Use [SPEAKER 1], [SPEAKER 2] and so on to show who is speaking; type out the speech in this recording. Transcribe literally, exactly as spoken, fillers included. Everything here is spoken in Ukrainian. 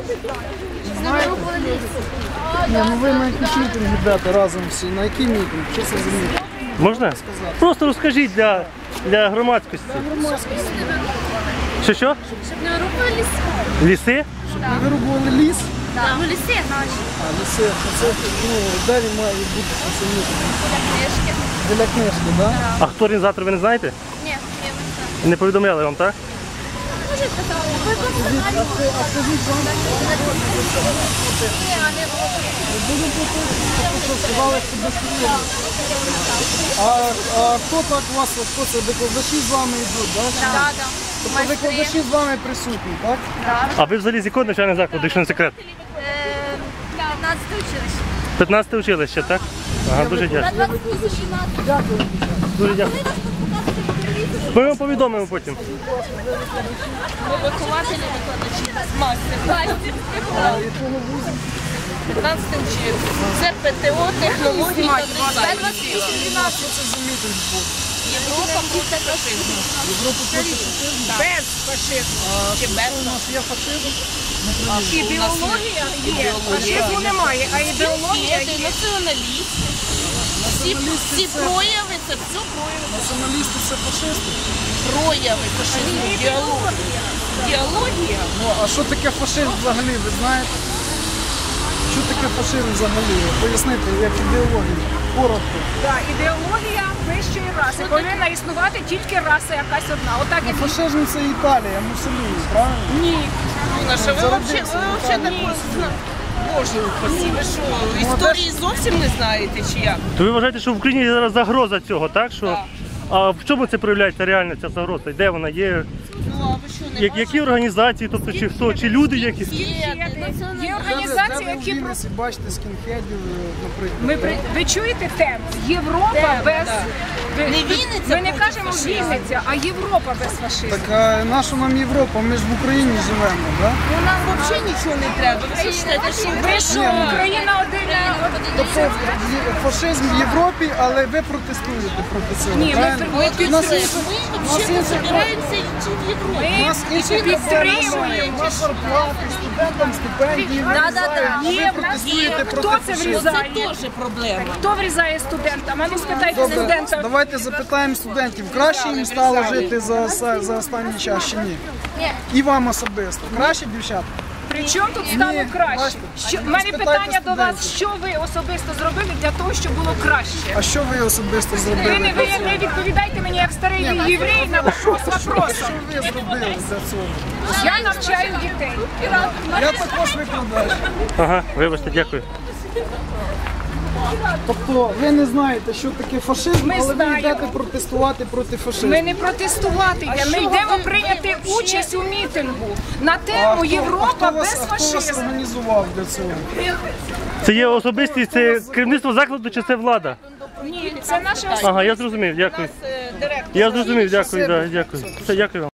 [SPEAKER 1] Ні, ну ви на якийсь мітинг йдете разом всі. На який мітинг? Що це за мітинг?
[SPEAKER 2] Можна? Просто розкажіть для, для громадськості. Що що?
[SPEAKER 3] Щоб не вирубували ліси.
[SPEAKER 2] Ліси?
[SPEAKER 1] Щоб не вирубували ліс?
[SPEAKER 3] Так, ну ліси наші.
[SPEAKER 1] А, ліси. А це, ну, де він має бути цей мітинг?
[SPEAKER 3] Для книжки.
[SPEAKER 1] Біля книжки, так?
[SPEAKER 2] А хто організатор, ви не знаєте?
[SPEAKER 3] Ні, ні, ми не знаємо.
[SPEAKER 2] Не повідомляли вам, так?
[SPEAKER 3] Може, казали. Ви
[SPEAKER 1] А це- а скажіть, вам
[SPEAKER 3] Ні, а не було.
[SPEAKER 1] будемо пропустити, що сказали, що безпечно. А, а хто так у вас, хто це, викладачі з вами йдуть, так?
[SPEAKER 3] Так, так.
[SPEAKER 1] Тобто викладачі з вами присутні, так?
[SPEAKER 2] А ви взагалі з якого навчального закладу, якщо не секрет?
[SPEAKER 3] п'ятнадцяте училище.
[SPEAKER 2] п'ятнадцяте училище, так? Ага, дуже
[SPEAKER 3] На
[SPEAKER 2] дякую.
[SPEAKER 3] двадцять вісім.
[SPEAKER 1] Дякую.
[SPEAKER 2] Дуже дякую. Ми вам повідомимо потім.
[SPEAKER 4] Ми вихователі, викладачі, мастер.
[SPEAKER 1] А якого вузу?
[SPEAKER 4] п'ятнадцяте училище. Це ПТО, технології та дизайн.
[SPEAKER 1] А що це за мітинг був?
[SPEAKER 4] Європа проти фашизму.
[SPEAKER 1] Європа проти фашизму?
[SPEAKER 4] Без фашизму. Чи
[SPEAKER 1] Що
[SPEAKER 4] без
[SPEAKER 1] у нас є фашизм?
[SPEAKER 4] ідеологія є. Фашизму немає, а ідеологія є. Націоналіст. Всі, всі прояви, це все прояви.
[SPEAKER 1] Націоналісти це фашисти?
[SPEAKER 4] Прояви фашизму, діалогія. Діалогія.
[SPEAKER 1] Ну, а що таке фашизм взагалі, ви знаєте? Що таке фашизм взагалі? Пояснити, як ідеологія. Коротко.
[SPEAKER 5] Так, ідеологія вищої раси. Повинна існувати тільки раса якась одна. Отак і
[SPEAKER 1] Фашизм це Італія, Муссоліні, правильно?
[SPEAKER 5] ні.
[SPEAKER 4] Наша, ви взагалі такого Боже упаси, ви що, історії зовсім не знаєте, чи як?
[SPEAKER 2] То ви вважаєте, що в Україні зараз загроза цього, так? Що...
[SPEAKER 4] Так.
[SPEAKER 2] А в чому це проявляється реально, ця загроза? Де вона є?
[SPEAKER 4] Ну, а ви що, не
[SPEAKER 2] Я- Які організації, тобто чи хто, чи люди якісь?
[SPEAKER 5] Є
[SPEAKER 1] Де
[SPEAKER 5] організації,
[SPEAKER 1] ви в
[SPEAKER 5] які
[SPEAKER 1] Вінниці бачите скінхедів, наприклад?
[SPEAKER 5] ми при- ви чуєте тему? Європа без ви,
[SPEAKER 4] Не
[SPEAKER 5] ви-
[SPEAKER 4] Вінниця
[SPEAKER 5] Ми не
[SPEAKER 4] проти
[SPEAKER 5] кажемо
[SPEAKER 4] фашизму.
[SPEAKER 5] Вінниця, а Європа без фашизму.
[SPEAKER 1] Так а наша нам Європа, ми ж в Україні живемо, так?
[SPEAKER 4] Ну, нам взагалі нічого не треба. Ви вважаєте, що
[SPEAKER 5] Ви що, Україна один
[SPEAKER 1] Тобто є- фашизм в Європі, але ви протестуєте проти цього,
[SPEAKER 5] Ні, ми
[SPEAKER 1] правильно?
[SPEAKER 4] ми
[SPEAKER 1] У нас є-
[SPEAKER 4] підтримуємо.
[SPEAKER 1] у
[SPEAKER 4] Ми
[SPEAKER 1] нас
[SPEAKER 4] взагалі
[SPEAKER 1] є
[SPEAKER 4] не збираємося йти в Європу.
[SPEAKER 1] У нас інші
[SPEAKER 5] підтримуємо.
[SPEAKER 1] у нас зарплати, студентам стипендії,
[SPEAKER 3] Да-да-да.
[SPEAKER 1] а
[SPEAKER 5] Є
[SPEAKER 1] ви
[SPEAKER 5] в нас-
[SPEAKER 1] протестуєте
[SPEAKER 5] Хто
[SPEAKER 1] проти
[SPEAKER 5] це
[SPEAKER 1] фашизму.
[SPEAKER 5] врізає?
[SPEAKER 4] Це теж проблема.
[SPEAKER 5] Хто врізає студентам? А ну спитайте
[SPEAKER 1] Добре,
[SPEAKER 5] студента.
[SPEAKER 1] давайте запитаємо студентів, краще їм стало жити за, за останній час чи ні? І вам особисто. Краще, дівчата?
[SPEAKER 5] При чому тут стало
[SPEAKER 1] Ні,
[SPEAKER 5] краще?
[SPEAKER 1] бачите,
[SPEAKER 5] Що,
[SPEAKER 1] а
[SPEAKER 5] в мене
[SPEAKER 1] спитайте
[SPEAKER 5] питання до вас,
[SPEAKER 1] студентів.
[SPEAKER 5] що ви особисто зробили для того, щоб було краще?
[SPEAKER 1] А що ви особисто
[SPEAKER 5] Ви
[SPEAKER 1] зробили?
[SPEAKER 5] не, ви не відповідайте мені як старий єврей на вопрос вопросом.
[SPEAKER 1] Що ви зробили для цього?
[SPEAKER 5] Я навчаю дітей.
[SPEAKER 1] Я також викладаю.
[SPEAKER 2] Ага, вибачте, дякую.
[SPEAKER 1] Тобто ви не знаєте, що таке фашизм,
[SPEAKER 5] Ми
[SPEAKER 1] але ви
[SPEAKER 5] знаємо.
[SPEAKER 1] йдете протестувати проти фашизму.
[SPEAKER 5] Ми не протестувати йдемо, ми йдемо прийняти участь у мітингу на
[SPEAKER 1] А
[SPEAKER 5] тему
[SPEAKER 1] хто-
[SPEAKER 5] Європа
[SPEAKER 1] а хто вас,
[SPEAKER 5] без
[SPEAKER 1] а хто вас
[SPEAKER 5] фашизму.
[SPEAKER 1] організував для цього?
[SPEAKER 2] Це є особистість, це керівництво закладу чи це влада?
[SPEAKER 5] Ні, це наше
[SPEAKER 2] Ага, я зрозумів, дякую.
[SPEAKER 4] Е, Директор.
[SPEAKER 2] Я зрозумів, дякую, да, дякую. Все, дякую вам.